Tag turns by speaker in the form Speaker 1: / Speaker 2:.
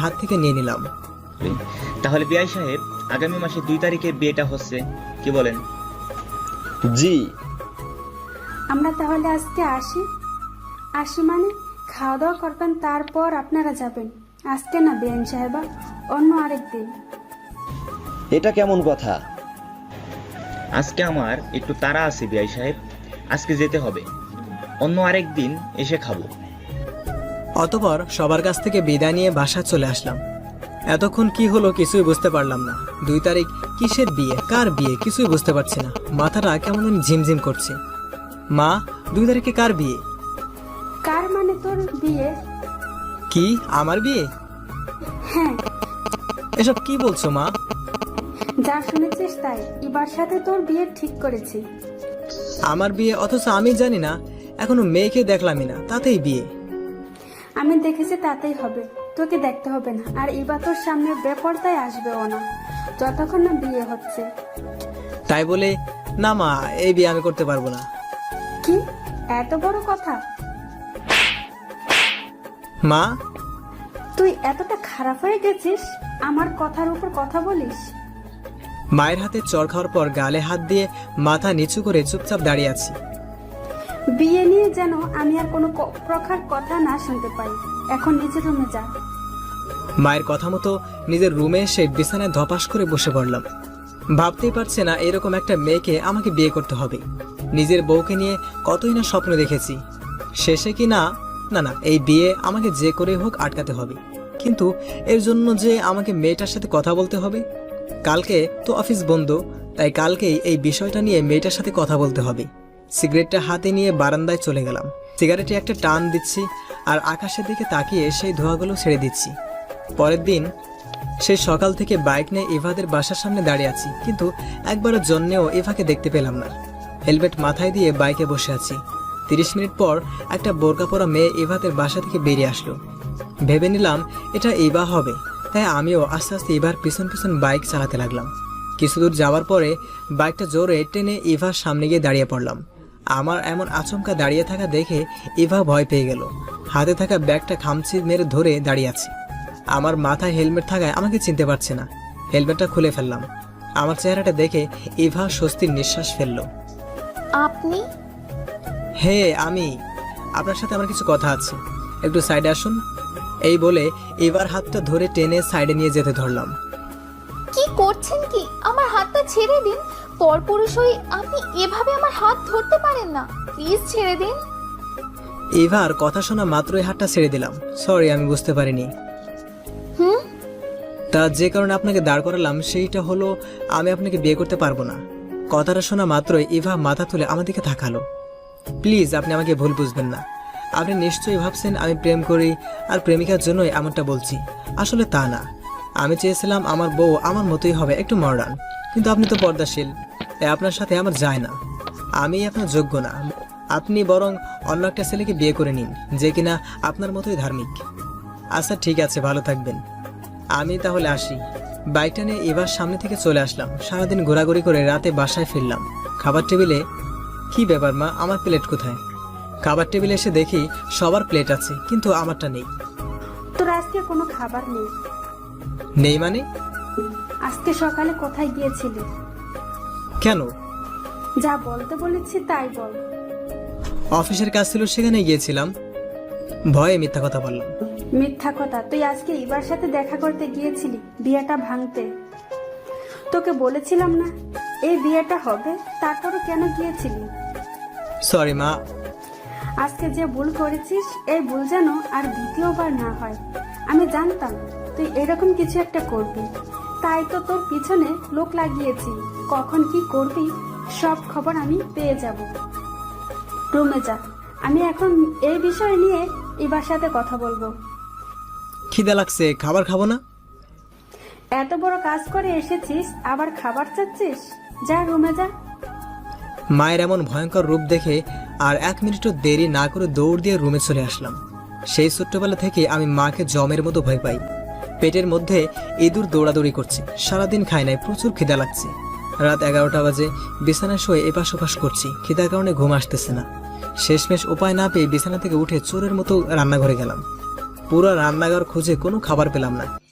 Speaker 1: হাত থেকে নিয়ে নিলাম।
Speaker 2: তাহলে বিআই সাহেব, আগামী মাসে 2 তারিখে বিয়েটা হচ্ছে, কি বলেন?
Speaker 3: জি।
Speaker 4: আমরা তাহলে আজকে আসি মানে খাওয়া দাওয়া করবেন, তারপর আপনারা যাবেন। আজকে না বেআইন সাহেবা, অন্য আরেক দিন।
Speaker 3: এটা কেমন কথা?
Speaker 2: আজকে আমার একটু তাড়া আছে বিআই সাহেব, আজকে যেতে হবে, অন্য আরেক দিন এসে খাবো।
Speaker 1: অতঃপর সবার কাছ থেকে বিদায় নিয়ে বাসা চলে আসলাম। এতক্ষণ কি হলো কিছুই বুঝতে পারলাম না। 2 তারিখ কিসের বিয়ে, কার বিয়ে কিছুই বুঝতে পারছি না। মাথাটা কেমন ঝিমঝিম করছে। মা, 2 তারিখে কার বিয়ে?
Speaker 4: কার মানে তোর বিয়ে?
Speaker 1: কি, আমার বিয়ে?
Speaker 4: হ্যাঁ।
Speaker 1: এসব কি বলছো মা?
Speaker 4: যা শুনেছিস তাই, এবার সাথে তোর বিয়ে ঠিক করেছি।
Speaker 1: আমার বিয়ে, অথচ আমি জানি না, এখনো মেয়েকে দেখলামই না, তাতেই বিয়ে?
Speaker 4: আমি দেখেছি তাতেই হবে, তোকে দেখতে হবে না। আর এবার তোর সামনে বেপরদায় আসবেও না যতক্ষণ না বিয়ে হচ্ছে।
Speaker 1: তাই বলে না মা, এই বিয়ে আমি করতে পারবো না।
Speaker 4: কি এত বড় কথা?
Speaker 1: মা,
Speaker 4: তুই এতটা খারাপ হয়ে গেছিস, আমার কথার উপর কথা বলিস?
Speaker 1: মায়ের হাতে চড় খাওয়ার পর গালে হাত দিয়ে মাথা নিচু করে চুপচাপ দাঁড়িয়ে আছি।
Speaker 4: বিয়ে নিয়ে যেন আমি আর কোনো প্রকার কথা না শুনতে পাই। এখন নিজের রুমে যা।
Speaker 1: মায়ের কথা মতো নিজের রুমে এসে বিছানায় ধপাস করে বসে পড়লাম। ভাবতেই পারছে না এরকম একটা মেয়েকে আমাকে বিয়ে করতে হবে। নিজের বউকে নিয়ে কতই না স্বপ্ন দেখেছি, শেষে কি না না না এই বিয়ে আমাকে যে করে হোক আটকাতে হবে। কিন্তু এর জন্য যে আমাকে মেয়েটার সাথে কথা বলতে হবে। কালকে তো অফিস বন্ধ, তাই কালকেই এই বিষয়টা নিয়ে মেয়েটার সাথে কথা বলতে হবে। সিগারেটটা হাতে নিয়ে বারান্দায় চলে গেলাম। সিগারেটে একটা টান দিচ্ছি আর আকাশের দিকে তাকিয়ে সেই ধোঁয়াগুলো ছেড়ে দিচ্ছি। পরের দিন সেই সকাল থেকে বাইক নিয়ে ইভাদের বাসার সামনে দাঁড়িয়ে আছি, কিন্তু একবারের জন্যেও ইভাকে দেখতে পেলাম না। হেলমেট মাথায় দিয়ে বাইকে বসে আছি। 30 মিনিট পর একটা বোরকা পরা মেয়ে ইভাদের বাসা থেকে বেরিয়ে আসলো। ভেবে নিলাম এটা ইভা হবে, তাই আমিও আস্তে আস্তে ইভার পিছন পিছন বাইক চালাতে লাগলাম। কিছু দূর যাওয়ার পরে বাইকটা জোরে টেনে ইভার সামনে গিয়ে দাঁড়িয়ে পড়লাম। আমার এমন আচমকা দাঁড়িয়ে থাকা দেখে ইভা ভয় পেয়ে গেল। হাতে থাকা ব্যাগটা খামচি মেরে ধরে দাঁড়িয়ে আছে। আমার মাথায় হেলমেট থাকায় আমাকে চিনতে পারছে না। হেলমেটটা খুলে ফেললাম। আমার চেহারাটা দেখে ইভা স্বস্তির নিঃশ্বাস ফেলল।
Speaker 5: আপনি?
Speaker 1: হে, আমি। আপনার সাথে আমার কিছু কথা আছে, একটু সাইডে আসুন। এই বলে ইভার হাতটা ধরে টেনে সাইডে নিয়ে যেতে ধরলাম।
Speaker 5: কি করছেন কি? আমার হাতটা ছেড়ে দিন। পরপুরুষ হয়ে আপনি এভাবে আমার হাত ধরতে পারেন না, প্লিজ ছেড়ে দিন।
Speaker 1: ইভার কথা শোনা মাত্রই হাতটা ছেড়ে দিলাম। সরি, আমি বুঝতে পারিনি। তা যে কারণে আপনাকে দাঁড় করালাম সেইটা হলো আমি আপনাকে বিয়ে করতে পারবো না। কথাটা শোনা মাত্রই ইভা মাথা তুলে আমার দিকে তাকালো। প্লিজ, আপনি আমাকে ভুল বুঝবেন না। আপনি নিশ্চয়ই ভাবছেন আমি প্রেম করি আর প্রেমিকার জন্যই এমনটা বলছি। আসলে তা না। আমি চেয়েছিলাম আমার বউ আমার মতোই হবে, একটু মডার্ন। কিন্তু আপনি তো পর্দাশীল, তাই আপনার সাথে আমার যায় না। আমি আপনার যোগ্য না। আপনি বরং অন্য একটা ছেলেকে বিয়ে করে নিন, যে কিনা আপনার মতোই ধার্মিক। আচ্ছা ঠিক আছে, ভালো থাকবেন। আমি তাহলে আসি। বাইকটা নিয়ে এবার সামনে থেকে চলে আসলাম। সারাদিন ঘোরাঘুরি করে রাতে বাসায় ফিরলাম। খাবার টেবিলে কি ব্যাপার মা, আমার প্লেট কোথায়? খাবার টেবিলে এসে দেখি সবার প্লেট আছে, কিন্তু আমারটা নেই।
Speaker 4: তোর আজকে কোনো খাবার নেই?
Speaker 1: নেই মানে?
Speaker 4: আজকে সকালে কোথায় গিয়েছিলি?
Speaker 1: কেন?
Speaker 4: যা বলতে বলেছি তাই বল।
Speaker 1: অফিসের কাজ ছিল, সেখানে গিয়েছিলাম। ভয়ে মিথ্যা কথা বললাম।
Speaker 4: মিথ্যা কথা? তুই আজকে ইবার সাথে দেখা করতে গিয়েছিলি বিয়েটা ভাঙতে। তোকে বলেছিলাম না এই বিয়েটা হবে, তারপরও কেন গিয়েছিলি?
Speaker 1: সরি মা।
Speaker 4: আজকে যে ভুল করেছিস, এই ভুল যেন আর দ্বিতীয়বার না হয়। আমি জানতাম তুই এরকম কিছু একটা করবি, তাই তো তোর পিছনে লোক লাগিয়েছি। কখন কি করবি সব খবর আমি পেয়ে যাব। রুমে যা, আমি এখন এই বিষয় নিয়ে ইবার সাথে কথা বলবো।
Speaker 1: খিদে লাগছে, খাবার খাবো না?
Speaker 4: এত বড় কাজ করে এসেছিস, আবার খাবার চাচ্ছিস? যা রুমে যা।
Speaker 1: মায়ের এমন ভয়ঙ্কর রূপ দেখে আর 1 মিনিটও দেরি না করে দৌড় দিয়ে রুমে চলে আসলাম। সেই ছোট্টবেলা থেকে আমি মাকে জমের মতো ভয় পাই। পেটের মধ্যে ইঁদুর দৌড়াদৌড়ি করছে। সারাদিন খাই নাই, প্রচুর খিদা লাগছে। রাত 11টা বাজে, বিছানায় শুয়ে এপাশ ওপাশ করছি। খিদার কারণে ঘুম আসতেছে না। শেষমেশ উপায় না পেয়ে বিছানা থেকে উঠে চোরের মতো রান্নাঘরে গেলাম। পুরো রান্নাঘর খুঁজে কোনো খাবার পেলাম না।